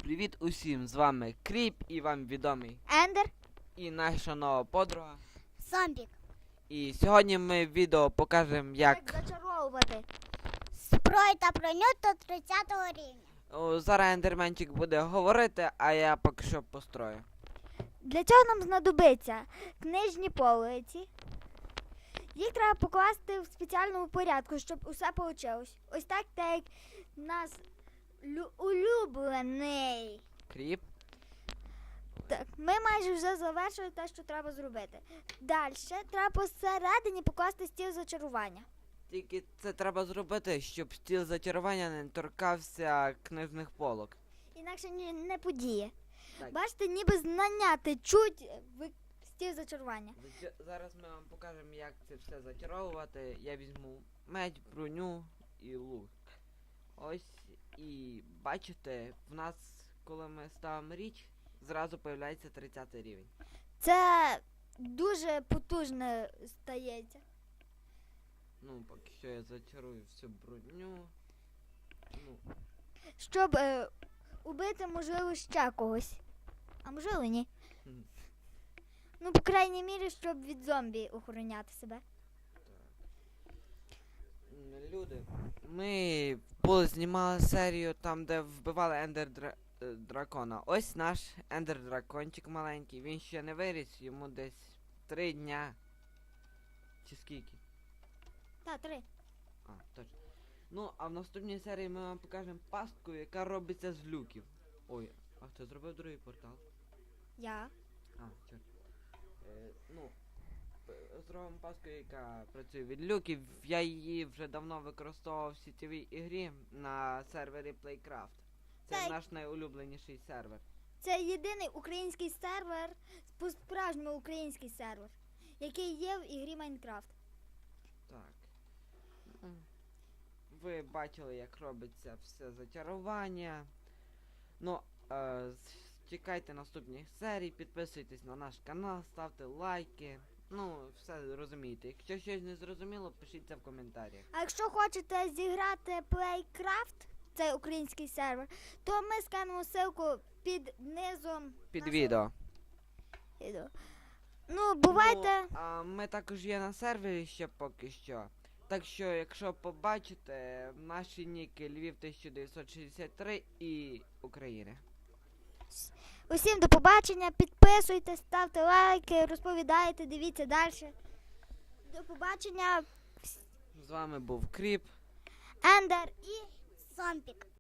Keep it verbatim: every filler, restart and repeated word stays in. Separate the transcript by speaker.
Speaker 1: Привіт усім! З вами Кріп і вам відомий
Speaker 2: Ендер.
Speaker 1: і наша нова подруга.
Speaker 2: Зомбік.
Speaker 1: І сьогодні ми в відео покажемо, як
Speaker 2: Як зачаровувати зброю та броню до тридцятого рівня.
Speaker 1: О, зараз ендерменчик буде говорити, а я поки що построю.
Speaker 2: Для цього нам знадобиться книжні полиці. Їх треба покласти в спеціальному порядку, щоб усе вийшло. Ось так, так як нас лю- улюблений.
Speaker 1: Кріп.
Speaker 2: Так, ми майже вже завершили те, що треба зробити. Далі треба посередині покласти стіл зачарування.
Speaker 1: Тільки це треба зробити, щоб стіл зачарування не торкався книжних полок.
Speaker 2: Інакше ні- не подіє.
Speaker 1: Так.
Speaker 2: Бачите, ніби знання течуть в стіл зачарування.
Speaker 1: Зача- Зараз ми вам покажемо, як це все зачаровувати. Я візьму меч, броню і лук. Ось, і бачите, в нас, коли ми ставимо річ, зразу появляється тридцятий рівень.
Speaker 2: Це дуже потужно стається.
Speaker 1: Ну, поки що я зачарую всю броню. Ну,
Speaker 2: Щоб е, убити, можливо, ще когось. А можливо, ні.
Speaker 1: Мгм.
Speaker 2: Ну, по крайній мірі, щоб від зомбі охороняти себе.
Speaker 1: м, люди, ми були знімали серію там, де вбивали ендер дра- е, дракона. Ось наш ендер дракончик маленький. Він ще не виріс, йому десь три дня. Чи скільки?
Speaker 2: Та, три.
Speaker 1: А, точно. Ну, а в наступній серії ми вам покажемо пастку, яка робиться з люків. Ой, а хто зробив другий портал?
Speaker 2: Я.
Speaker 1: А, чорт. Е, ну, п- зробимо пастку, яка працює від люків. Я її вже давно використовував в сітєвій ігрі на сервері Playcraft. Це
Speaker 2: Та й-
Speaker 1: наш найулюбленіший сервер.
Speaker 2: Це єдиний український сервер, по-справжньому український сервер, який є в ігрі Майнкрафт.
Speaker 1: Так. М. Ви бачили, як робиться все зачарування. Ну, е, з- чекайте наступних серій, підписуйтесь на наш канал, ставте лайки. Ну, все розумієте. Якщо щось не зрозуміло, пишіть це в коментарях.
Speaker 2: А якщо хочете зіграти Playcraft, цей український сервер, то ми скинемо ссылку під низом
Speaker 1: Під
Speaker 2: нашого
Speaker 1: відео.
Speaker 2: відео. Ну, бувайте.
Speaker 1: Ну, а ми також є на сервері ще поки що. Так що, якщо побачите, наші ніки Львів тисяча дев'ятсот шістдесят три і України.
Speaker 2: Усім до побачення, підписуйтесь, ставте лайки, розповідайте, дивіться далі. До побачення,
Speaker 1: З вами був Кріп.
Speaker 2: Ендер і Зомбік.